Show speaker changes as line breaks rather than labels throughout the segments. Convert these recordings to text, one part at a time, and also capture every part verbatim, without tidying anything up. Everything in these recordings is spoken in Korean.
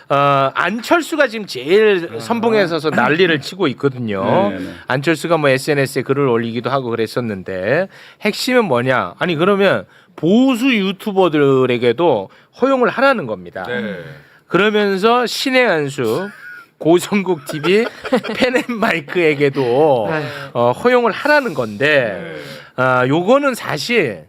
어, 안철수가 지금 제일 선봉에 서서 난리를 치고 있거든요.
네네.
안철수가 뭐 에스엔에스에 글을 올리기도 하고 그랬었는데 핵심은 뭐냐? 아니 그러면 보수 유튜버들에게도 허용을 하라는 겁니다.
네.
그러면서 신의 한수 고성국 티비 펜앤마이크에게도 어, 허용을 하라는 건데 어, 요거는 사실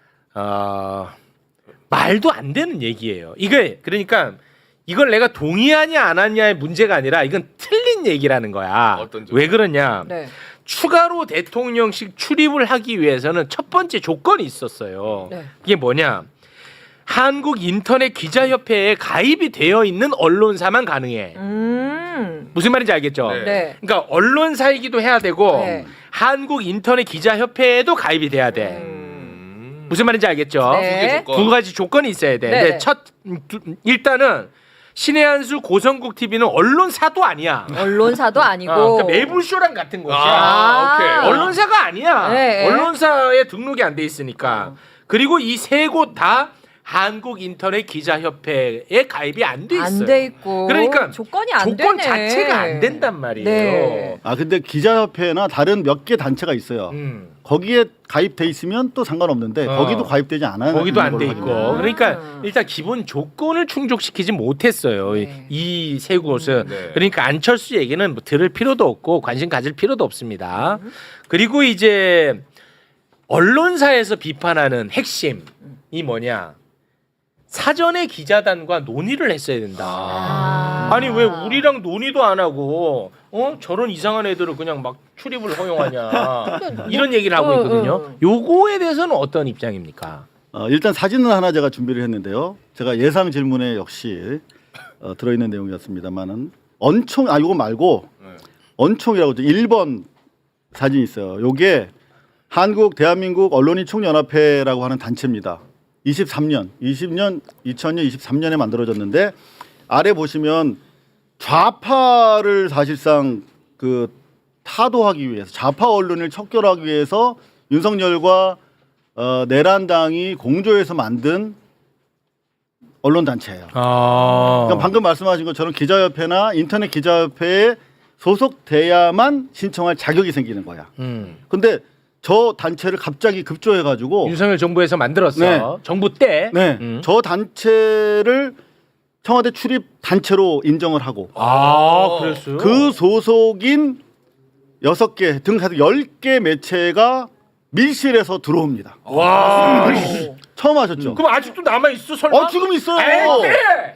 어, 말도 안 되는 얘기예요. 이게 그러니까 이걸 내가 동의하냐 안 하냐의 문제가 아니라 이건 틀린 얘기라는 거야.
어떤 점?
왜 그러냐?
네.
추가로 대통령직 출입을 하기 위해서는 첫 번째 조건이 있었어요.
네.
이게 뭐냐? 한국 인터넷 기자협회에 가입이 되어 있는 언론사만 가능해.
음.
무슨 말인지 알겠죠?
네.
네.
그러니까 언론사이기도 해야 되고
네.
한국 인터넷 기자협회에도 가입이 돼야 돼.
음.
무슨 말인지 알겠죠?
네.
두 개 조건.
두 가지 조건이 있어야 돼.
네.
근데 첫 음, 두- 일단은 신의 한수 고성국 티비는 언론사도 아니야.
언론사도 아니고.
어, 그러니까 매불쇼랑 같은 곳이야.
아, 오케이.
아.
언론사가 아니야.
네.
언론사에 등록이 안 돼 있으니까. 그리고 이 세 곳 다 한국 인터넷 기자협회에 가입이 안 돼 있어요.
안 돼 있고.
그러니까
조건이 안
조건
되네.
자체가 안 된단 말이에요.
네.
아 근데 기자협회나 다른 몇 개 단체가 있어요.
음.
거기에 가입돼 있으면 또 상관없는데
어.
거기도 가입되지 않아요.
거기도 안 돼 있고.
아.
그러니까 일단 기본 조건을 충족시키지 못했어요.
네.
이 세 곳은.
네.
그러니까 안철수 얘기는 뭐 들을 필요도 없고 관심 가질 필요도 없습니다. 그리고 이제 언론사에서 비판하는 핵심이 뭐냐? 사전에 기자단과 논의를 했어야 된다.
아.
아니 왜 우리랑 논의도 안 하고 어 저런 이상한 애들을 그냥 막 출입을 허용하냐 이런 얘기를 하고
어,
있거든요.
어.
요거에 대해서는 어떤 입장입니까?
어, 일단 사진은 하나 제가 준비를 했는데요. 제가 예상 질문에 역시 어, 들어있는 내용이었습니다만은 언총 아 이거 말고
네.
언총이라고 일 번 사진이 있어요. 요게 한국 대한민국 언론인 총연합회라고 하는 단체입니다. 이십삼 년, 이십 년, 이천 년, 이십삼 년에 만들어졌는데 아래 보시면 좌파를 사실상 그 타도하기 위해서 좌파 언론을 척결하기 위해서 윤석열과 어, 내란당이 공조해서 만든 언론 단체예요.
아,
그러니까 방금 말씀하신 것처럼 기자협회나 인터넷 기자협회에 소속돼야만 신청할 자격이 생기는 거야.
음.
근데 저 단체를 갑자기 급조해가지고
윤석열 정부에서 만들었어.
네.
정부 때.
네,
음.
저 단체를 청와대 출입 단체로 인정을 하고
아, 그랬어요.
그 소속인 여섯 개 등 해서 열 개 매체가 밀실에서 들어옵니다.
와.
처음 하셨죠?
그럼 아직도 남아 있어 설마?
어 지금 있어요.
에이,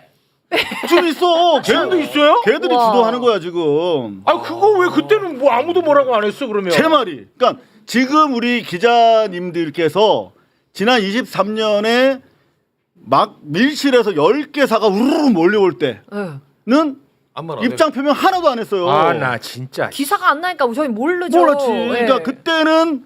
지금 있어.
지금도 있어요?
걔들이
우와.
주도하는 거야 지금.
아 그거 왜 그때는 뭐 아무도 뭐라고 안 했어 그러면?
제 말이. 그러니까 지금 우리 기자님들께서 지난 이십삼 년에 막 밀실에서 열 개 사가 우르르 몰려올 때는
네.
아무 말 안 해.
입장 표명 하나도 안 했어요.
아 나 진짜.
기사가 안 나니까 저희 모르죠.
몰랐지.
네.
그러니까 그때는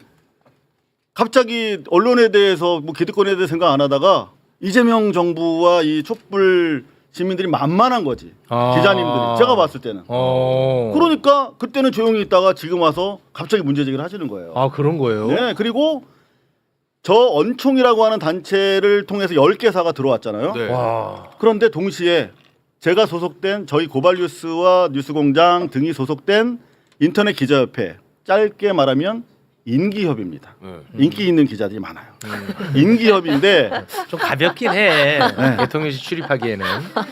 갑자기 언론에 대해서 뭐 기득권에 대해 생각 안 하다가 이재명 정부와 이 촛불 시민들이 만만한 거지.
아.
기자님들이 제가 봤을 때는.
어.
그러니까 그때는 조용히 있다가 지금 와서 갑자기 문제 제기를 하시는 거예요.
아 그런 거예요?
네, 그리고 저 언총이라고 하는 단체를 통해서 열 개 사가 들어왔잖아요.
네.
와.
그런데 동시에 제가 소속된 저희 고발뉴스와 뉴스공장 등이 소속된 인터넷 기자협회, 짧게 말하면 인기협입니다.
네.
인기 있는 기자들이 많아요. 인기협인데
좀 가볍긴 해. 대통령실 출입하기에는.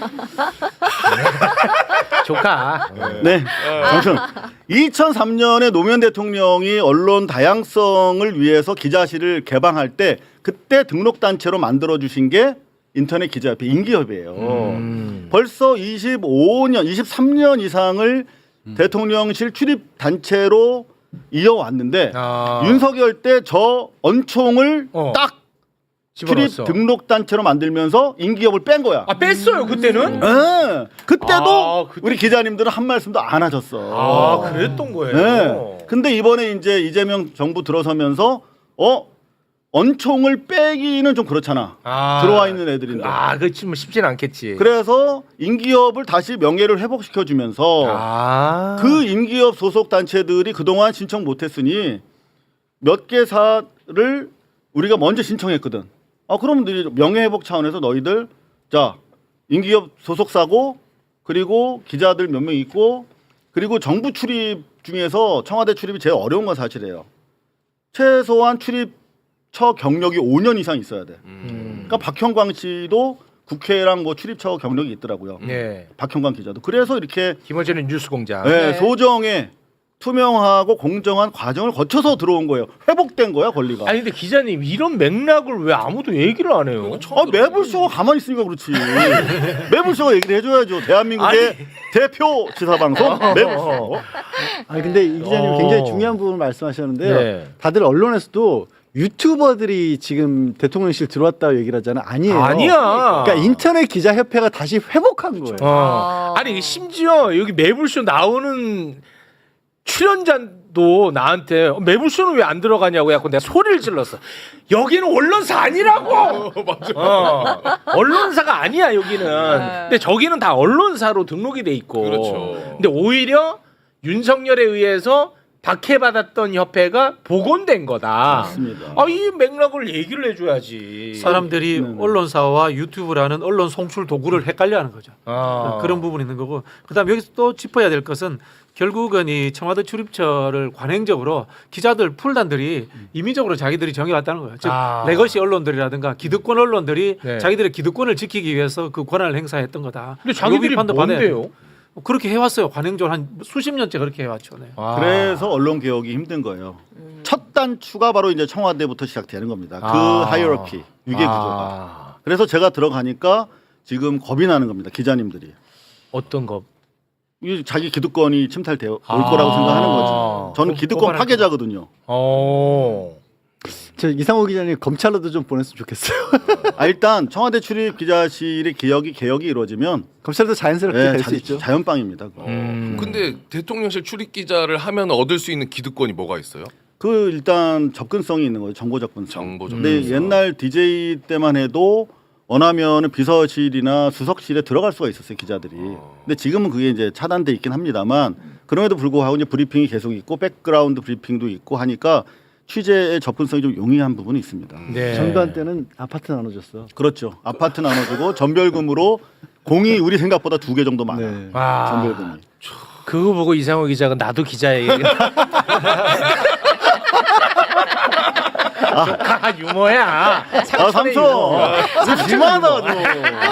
조카.
네, 아무튼 이천삼 년에 노무현 대통령이 언론 다양성을 위해서 기자실을 개방할 때 그때 등록 단체로 만들어 주신 게 인터넷 기자협회 인기협이에요.
음.
벌써 이십오 년, 이십삼 년 이상을 대통령실 출입 단체로 이어왔는데
아.
윤석열 때 저 언총을
어.
딱 출입
집어넣었어.
등록 단체로 만들면서 인기협을 뺀 거야.
아 뺐어요 그때는?
예. 그때도
아, 그때-
우리 기자님들은 한 말씀도 안 하셨어.
아 그랬던 거예요.
네. 근데 이번에 이제 이재명 정부 들어서면서 어 언총을 빼기는 좀 그렇잖아.
아.
들어와 있는 애들인데.
아 그렇지 뭐 쉽진 않겠지.
그래서 인기협을 다시 명예를 회복시켜 주면서
아.
그 인기협 소속 단체들이 그동안 신청 못했으니 몇 개사를 우리가 먼저 신청했거든. 아 그럼 너희 명예 회복 차원에서 너희들 자 인기협 소속사고 그리고 기자들 몇 명 있고 그리고 정부 출입 중에서 청와대 출입이 제일 어려운 건 사실이에요. 최소한 출입처 경력이 오 년 이상 있어야 돼.
음.
그러니까 박형광 씨도 국회랑 뭐 출입처 경력이 있더라고요.
네.
박형광 기자도. 그래서 이렇게
김어준의 뉴스공장.
네,
네.
소정의 투명하고 공정한 과정을 거쳐서 들어온 거예요. 회복된 거야 권리가.
아니 근데 기자님 이런 맥락을 왜 아무도 얘기를 안 해요?
아, 매불쇼가 가만히 있으니까 그렇지. 매불쇼가 얘기를 해줘야죠. 대한민국의
아니.
대표 지사방송 매불쇼.
아니 근데 이 기자님
어.
굉장히 중요한 부분을 말씀하셨는데요.
네.
다들 언론에서도 유튜버들이 지금 대통령실 들어왔다고 얘기를 하잖아요. 아니에요.
아니야.
그러니까 인터넷 기자 협회가 다시 회복한 거예요.
어.
아.
아니 심지어 여기 매불쇼 나오는 출연자도 나한테 어, 매불쇼는 왜 안 들어가냐고 해갖고 내가 소리를 질렀어. 여기는 언론사 아니라고.
맞아.
어, 언론사가 아니야 여기는.
네.
근데 저기는 다 언론사로 등록이 돼 있고.
그렇죠.
근데 오히려 윤석열에 의해서 박해받았던 협회가 복원된 거다.
맞습니다.
아, 이 맥락을 얘기를 해줘야지.
사람들이
네.
언론사와 유튜브라는 언론 송출 도구를 헷갈려하는 거죠.
아.
그런 부분이 있는 거고, 그다음 여기서 또 짚어야 될 것은 결국은 이 청와대 출입처를 관행적으로 기자들 풀단들이 임의적으로 자기들이 정해왔다는 거예요. 즉
아.
레거시 언론들이라든가 기득권 언론들이
네.
자기들의 기득권을 지키기 위해서 그 권한을 행사했던 거다.
근데 자기들이
요 비판도 받아야 돼요.
뭔데요?
그렇게 해왔어요. 관행적으로 한 수십 년째 그렇게 해왔죠. 네.
아.
그래서 언론 개혁이 힘든 거예요. 첫 단추가 바로 이제 청와대부터 시작되는 겁니다. 그
아.
하이어러키 위계 구조가.
아.
그래서 제가 들어가니까 지금 겁이 나는 겁니다. 기자님들이.
어떤 거?
이 자기 기득권이 침탈되어 올
아.
거라고 생각하는 거죠. 저는
고-
기득권
고발할
파괴자거든요.
어.
저 이상호 기자님 검찰로도 좀 보냈으면 좋겠어요.
아, 일단 청와대 출입 기자실의 개혁이 개혁이 이루어지면
검찰도 자연스럽게
네,
될 수
자,
있죠.
자연빵입니다. 그거.
음.
근데 대통령실 출입 기자를 하면 얻을 수 있는 기득권이 뭐가 있어요?
그 일단 접근성이 있는 거죠. 정보 접근성.
정보
근데
접근성.
옛날 디제이 때만 해도 원하면은 비서실이나 수석실에 들어갈 수가 있었어요 기자들이. 근데 지금은 그게 이제 차단돼 있긴 합니다만 그럼에도 불구하고 이제 브리핑이 계속 있고 백그라운드 브리핑도 있고 하니까 취재의 접근성이 좀 용이한 부분이 있습니다.
네.
전두환 때는 아파트 나눠줬어.
그렇죠. 아파트 나눠주고 전별금으로 공이 우리 생각보다 두 개 정도 많아.
네.
아.
전별금이.
그거 보고 이상호 기자가 나도 기자예요. 아, 유머야.
아
삼촌의
삼촌.
유머.
이거 심하다 너.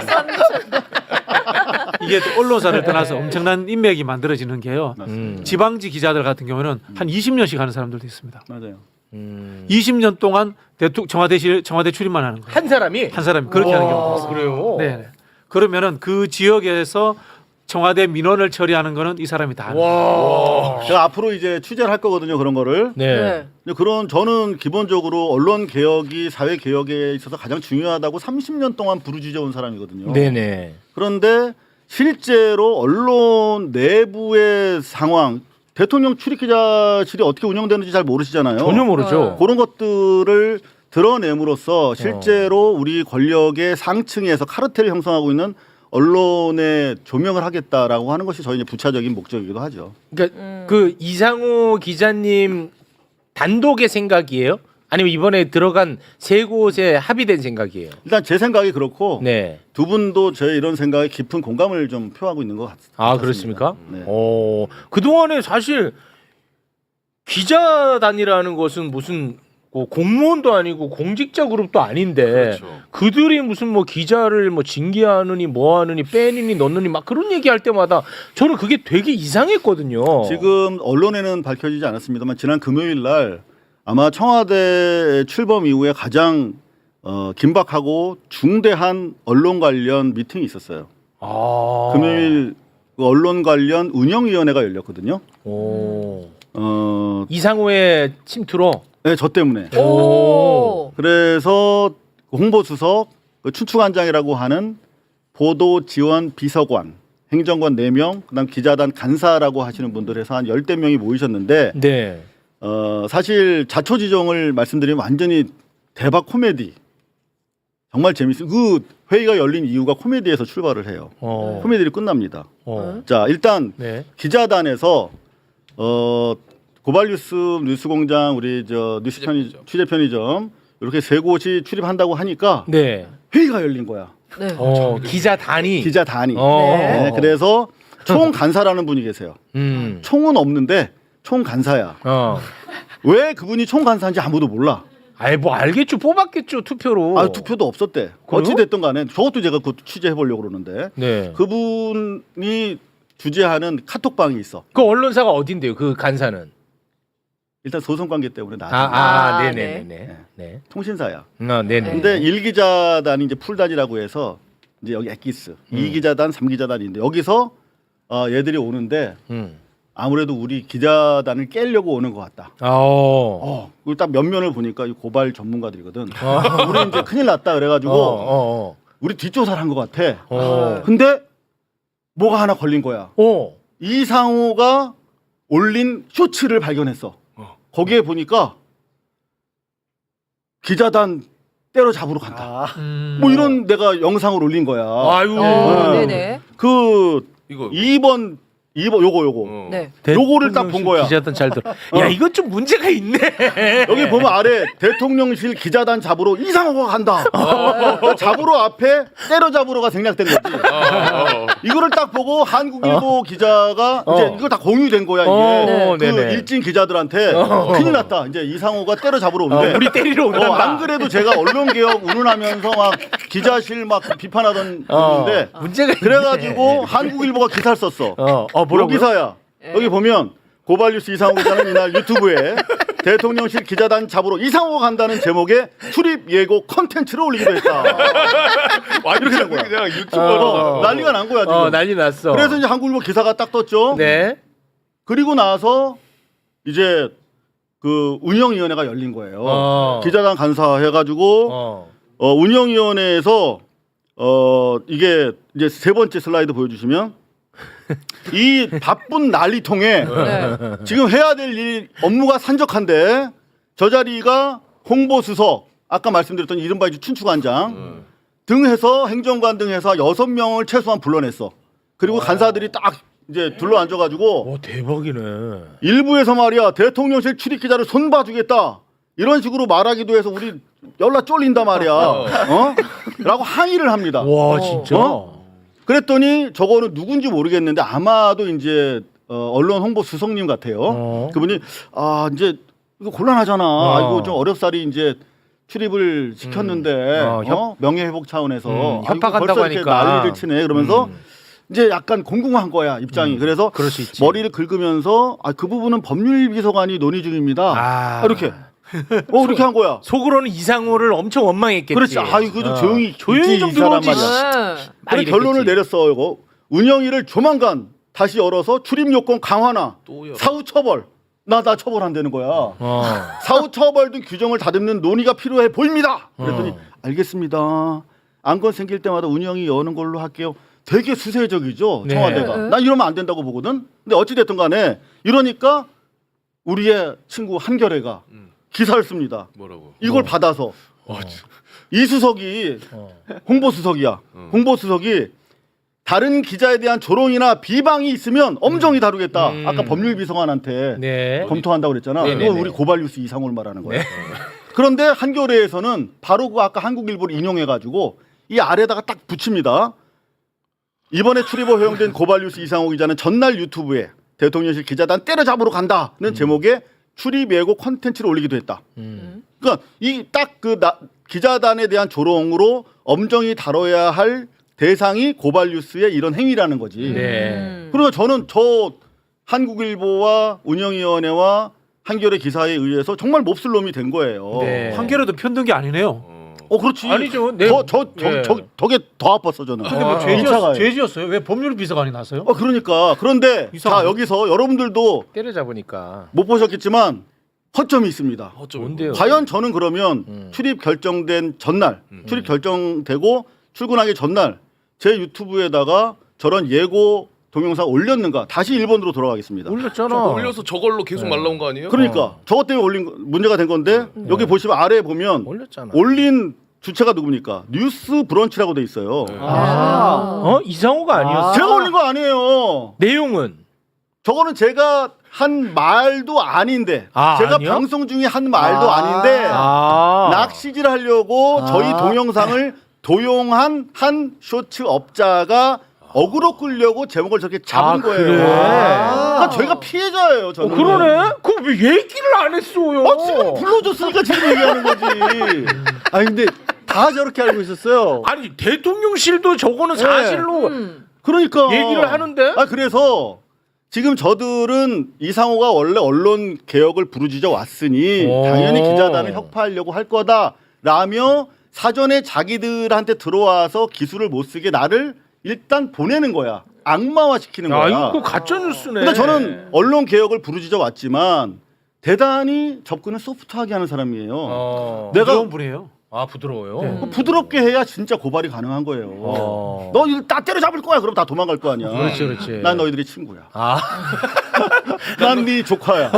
이게 또 언론사를 떠나서 엄청난 인맥이 만들어지는 게요.
음.
지방지 기자들 같은 경우는 한 이십 년씩 하는 사람들도 있습니다.
맞아요.
음.
이십 년 동안 대통령 청와대실 청와대 출입만 하는 거예요.
한 사람이
한 사람이 그렇게 하는 경우가 있어요.
그래요.
네. 그러면은 그 지역에서 청와대 민원을 처리하는 거는 이 사람이 다 하는 거예요.
와.
제가 앞으로 이제 취재를 할 거거든요 그런 거를.
네.
근데 그런 저는 기본적으로 언론 개혁이 사회 개혁에 있어서 가장 중요하다고 삼십 년 동안 부르짖어 온 사람이거든요.
네네.
그런데 실제로 언론 내부의 상황, 대통령 출입기자실이 어떻게 운영되는지 잘 모르시잖아요.
전혀 모르죠.
그런 것들을 드러냄으로써 실제로 우리 권력의 상층에서 카르텔을 형성하고 있는 언론에 조명을 하겠다라고 하는 것이 저희 이제 부차적인 목적이기도 하죠.
그러니까
음.
그 이상호 기자님 단독의 생각이에요? 아니면 이번에 들어간 세 곳에 합의된 생각이에요?
일단 제 생각이 그렇고
네.
두 분도 제 이런 생각에 깊은 공감을 좀 표하고 있는 것 같습니다.
아 그렇습니까?
네.
어, 그 동안에 사실 기자단이라는 것은 무슨 뭐 공무원도 아니고 공직자 그룹도 아닌데
그렇죠.
그들이 무슨 뭐 기자를 뭐 징계하느니 뭐하느니 빼느니 넣느니 막 그런 얘기할 때마다 저는 그게 되게 이상했거든요.
지금 언론에는 밝혀지지 않았습니다만 지난 금요일 날 아마 청와대 출범 이후에 가장 어, 긴박하고 중대한 언론 관련 미팅이 있었어요.
아.
금요일 그 언론 관련 운영위원회가 열렸거든요.
오.
어,
이상호의 침투로.
네, 저 때문에.
오.
그래서 홍보수석, 그 춘추관장이라고 하는 보도지원 비서관, 행정관 네 명, 그다음 기자단 간사라고 하시는 분들 해서 한 열댓 명이 모이셨는데
네.
어, 사실 자초지종을 말씀드리면 완전히 대박 코미디. 정말 재밌어요. 그 회의가 열린 이유가 코미디에서 출발을 해요.
어.
코미디로 끝납니다.
어.
자, 일단
네.
기자단에서 어, 고발뉴스 뉴스공장 우리 저 뉴스 편의
취재편의점.
취재 편의점 이렇게 세 곳이 출입한다고 하니까
네.
회의가 열린 거야.
네.
어, 기자단이.
기자 단위.
어.
네, 그래서 총 간사라는 분이 계세요.
음.
총은 없는데 총 간사야.
어.
왜 그분이 총 간사인지 아무도 몰라.
아이 뭐 알겠죠. 뽑았겠죠. 투표로.
아, 투표도 없었대. 어찌 됐든 간에 저것도 제가 그 취재해 보려고 그러는데
네.
그분이 주재하는 카톡방이 있어.
그 언론사가 어딘데요? 그 간사는.
일단 소송 관계 때문에 나.
아, 아,
아,
네,
네.
네, 네, 네.
통신사야.
아, 네, 네.
근데 일 기자단이 이제 풀단이라고 해서 이제 여기 엑기스,
음.
이 기자단, 삼 기자단인데 여기서 어, 얘들이 오는데
음.
아무래도 우리 기자단을 깨려고 오는 것 같다.
어.
어, 그리고 딱 면면을 보니까 이 고발 전문가들이거든. 우리 이제 큰일 났다 그래가지고
어, 어,
우리 뒷조사를 한 것 같아.
어.
근데 뭐가 하나 걸린 거야.
어.
이상호가 올린 쇼츠를 발견했어. 거기에 보니까 기자단 때려잡으러 간다.
음.
뭐 이런 내가 영상을 올린 거야.
아유.
어,
네.
네네.
그
이거
이 번 이 번 요거 요거
어.
네.
요거를 딱 본 거야.
기자단 잘 들어. 야, 이건 좀 문제가 있네.
여기 보면 아래 대통령실 기자단 잡으러 이상호가 간다. 그 잡으러 앞에 때려잡으러가 생략된 거지.
아, 어.
이거를 딱 보고 한국일보 기자가
어.
이제 이거 다 공유된 거야 이게.
어,
그
네네.
일진 기자들한테
어.
큰일 났다. 이제 이상호가 때려잡으러
어,
오는데.
우리 때리러 온다.
어, 안 그래도 제가 언론개혁 운운하면서 막 기자실 막 비판하던
어,
분인데
문제가 있네.
그래가지고 한국일보가 기사를 썼어.
어, 어
요
뭐라고요?
기사야.
네.
여기 보면 고발뉴스 이상호 기자는 이날 유튜브에 대통령실 기자단 잡으러 이상호가 간다는 제목의 출입 예고 컨텐츠를 올리기도 했다.
이렇게
된 거야.
그냥 유튜버로
어, 난리가 난 거야 지금.
어, 난리 났어.
그래서 이제 한국일보 기사가 딱 떴죠.
네.
그리고 나서 이제 그 운영위원회가 열린 거예요.
어.
기자단 간사해가지고
어.
어, 운영위원회에서 어 이게 이제 세 번째 슬라이드 보여주시면 이 바쁜 난리통에
네.
지금 해야 될 일 업무가 산적한데 저 자리가 홍보수석 아까 말씀드렸던 이른바 이제 춘추관장 등 해서 행정관 등 해서 여섯 명을 최소한 불러냈어. 그리고 간사들이 딱 이제 둘러 앉아가지고
와, 대박이네.
일부에서 말이야 대통령실 출입 기자를 손봐주겠다 이런 식으로 말하기도 해서 우리 연락 쫄린다 말이야. 어? 라고 항의를 합니다.
와, 진짜.
어? 그랬더니 저거는 누군지 모르겠는데 아마도 이제 어, 언론 홍보 수석님 같아요.
어.
그분이 아 이제 이거 곤란하잖아.
어.
아, 이거 좀 어렵사리 이제 출입을 시켰는데
음. 어, 협-
어? 명예 회복 차원에서
음,
아, 이거
협박한다고
벌써 이렇게
하니까.
난리를 치네. 그러면서
음.
이제 약간 공공한 거야 입장이. 그래서
그럴 수 있지.
머리를 긁으면서 아, 그 부분은 법률비서관이 논의 중입니다.
아.
아, 이렇게 어 그렇게 한 거야.
속으로는 이상호를 엄청 원망했겠지.
그렇지. 아 이거 좀
어.
조용히
조용히
있지,
좀
이 사람
들어오지.
말이야.
네.
막
그래
이랬겠지.
결론을 내렸어. 이거 운영위를 조만간 다시 열어서 출입 요건 강화나
또 열어.
사후 처벌 나 나 처벌한다는 거야.
어.
사후 처벌 등 규정을 다듬는 논의가 필요해 보입니다. 그랬더니
어.
알겠습니다. 안건 생길 때마다 운영이 여는 걸로 할게요. 되게 수세적이죠
네.
청와대가.
네.
난 이러면 안 된다고 보거든. 근데 어찌 됐든 간에 이러니까 우리의 친구 한결애가
음.
기사를 씁니다.
뭐라고?
이걸 받아서
어, 진-
이 수석이
어.
홍보수석이야.
음.
홍보수석이 다른 기자에 대한 조롱이나 비방이 있으면 엄정히 다루겠다.
음.
아까 법률비서관한테
네.
검토한다고 그랬잖아.
네네네.
이건 우리 고발뉴스 이상호를 말하는 거야. 그런데 한겨레에서는 바로 그 아까 한국일보를 인용해가지고 이 아래다가 딱 붙입니다. 이번에 출입을 허용된 고발뉴스 이상호 기자는 전날 유튜브에 대통령실 기자단 때려잡으러 간다는 제목의 출입 예고 콘텐츠를 올리기도 했다.
음.
그러니까 이 딱 그 기자단에 대한 조롱으로 엄정히 다뤄야 할 대상이 고발뉴스의 이런 행위라는 거지.
네.
음.
그러니까 저는 저 한국일보와 운영위원회와 한겨레 기사에 의해서 정말 몹쓸 놈이 된 거예요.
네.
한겨레도 편든 게 아니네요.
어.
어 그렇지.
아니죠. 네.
저, 저, 저,
예.
저, 저게 더 아팠어 저는.
근데 뭐
아,
죄지었,
이차가요.
죄지었어요? 왜 법률 비서관이 나서요?
어 그러니까 그런데
이상하네.
자 여기서 여러분들도
때려잡으니까.
못 보셨겠지만 허점이 있습니다.
어쩌고
뭔데요?
과연 저는 그러면
음.
출입 결정된 전날,
음.
출입 결정되고 출근하기 전날 제 유튜브에다가 저런 예고 동영상 올렸는가? 다시 일본으로 돌아가겠습니다.
올렸잖아.
저거 올려서 저걸로 계속
네.
말라온 거 아니에요?
그러니까
어.
저것 때문에 올린 거- 문제가 된 건데 여기 보시면 아래에 보면
올렸잖아.
올린 주체가 누굽니까? 뉴스 브런치라고 돼 있어요.
네.
아.
어? 이상호가 아니었어.
아.
제가 올린 거 아니에요.
내용은
저거는 제가 한 말도 아닌데
아,
제가
아니요?
방송 중에 한 말도
아.
아닌데
아.
낚시질 하려고
아.
저희 동영상을 도용한 한 쇼츠 업자가 어그로 끌려고 제목을 저렇게 잡은
아,
거예요.
그래?
그러니까 저희가 피해자예요. 저는.
어, 그러네. 그럼 왜 얘기를 안 했어요?
아, 지금 불러줬으니까 지금 얘기하는 거지.
아니 근데 다 저렇게 알고 있었어요.
아니 대통령실도 저거는 사실로
음.
그러니까
얘기를 하는데?
아 그래서 지금 저들은 이상호가 원래 언론 개혁을 부르짖어 왔으니
오.
당연히 기자단을 혁파하려고 할 거다라며 사전에 자기들한테 들어와서 기술을 못 쓰게 나를 일단 보내는 거야. 악마화 시키는
야,
거야.
이거 그 가짜 뉴스네.
근데 저는 언론 개혁을 부르짖어 왔지만 대단히 접근을 소프트하게 하는 사람이에요.
어.
내가
부드러운 분이에요.
아 부드러워요.
네.
그 부드럽게 해야 진짜 고발이 가능한 거예요.
어.
너 이거 다 때려잡을 거야. 그럼 다 도망갈 거 아니야.
그렇지 그렇지.
난 너희들이 친구야.
아
난 네 조카야.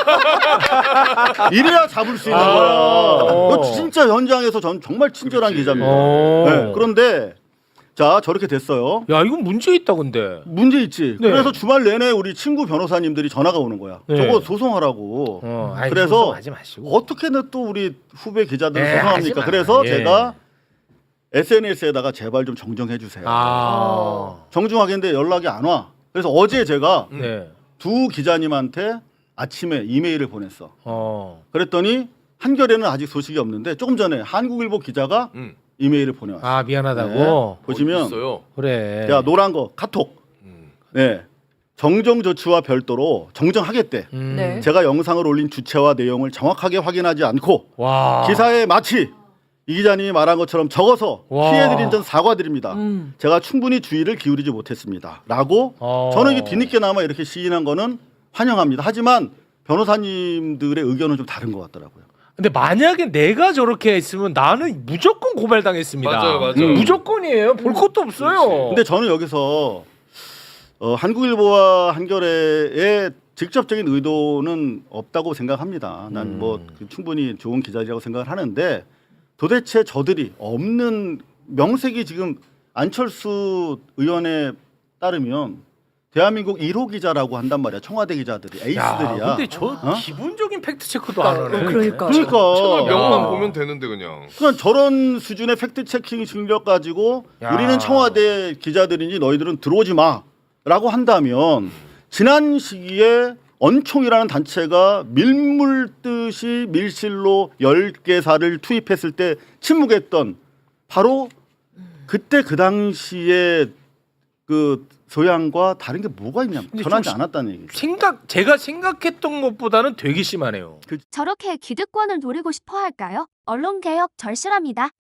이래야 잡을 수 있는
아.
거야.
어.
너 진짜 현장에서 전 정말 친절한
그렇지.
기자입니다.
어.
네, 그런데 자 저렇게 됐어요.
야 이건 문제 있다 근데.
문제 있지.
네.
그래서 주말 내내 우리 친구 변호사님들이 전화가 오는 거야.
네.
저거 소송하라고.
어, 아이,
그래서
소송하지 마시고.
어떻게든 또 우리 후배 기자들을
네,
소송합니까?
하지 마.
그래서
예.
제가 에스엔에스에다가 제발 좀 정정해 주세요.
아.
정중하게 했는데 연락이 안 와. 그래서 어제 제가
네.
두 기자님한테 아침에 이메일을 보냈어.
어.
그랬더니 한겨레는 아직 소식이 없는데 조금 전에 한국일보 기자가
음.
이메일을 보내왔어.
아 미안하다고.
네. 보시면
있어요.
그래.
야 노란 거 카톡.
음.
네. 정정 조치와 별도로 정정하겠대.
음.
네.
제가 영상을 올린 주체와 내용을 정확하게 확인하지 않고
와.
기사에 마치 이 기자님이 말한 것처럼 적어서
와.
피해드린 점 사과드립니다.
음.
제가 충분히 주의를 기울이지 못했습니다. 라고
어.
저는 이게 뒤늦게나마 이렇게 시인한 거는 환영합니다. 하지만 변호사님들의 의견은 좀 다른 것 같더라고요.
근데 만약에 내가 저렇게 했으면 나는 무조건 고발당했습니다.
맞아요, 맞아요.
음.
무조건이에요. 볼 것도 없어요.
그렇지.
근데 저는 여기서 어, 한국일보와 한겨레의 직접적인 의도는 없다고 생각합니다. 난
음.
뭐 충분히 좋은 기자라고 생각을 하는데 도대체 저들이 없는 명색이 지금 안철수 의원에 따르면 대한민국 일 호 기자라고 한단 말이야. 청와대 기자들이 에이스들이야.
야, 근데 저
어?
기본적인 팩트 체크도 안 하네.
그러니까.
그러니까
채널 명만
야.
보면 되는데 그냥.
그냥 저런 수준의 팩트 체킹 실력 가지고
야.
우리는 청와대 기자들이니 너희들은 들어오지 마라고 한다면 지난 시기에 언총이라는 단체가 밀물듯이 밀실로 열 개사를 투입했을 때 침묵했던 바로 그때 그 당시에 그 소양과 다른 게 뭐가 있냐
근데
변하지
좀
않았다는 얘기죠.
생각 제가 생각했던 것보다는 되게 심하네요.
저렇게 기득권을 노리고 싶어 할까요? 언론 개혁 절실합니다.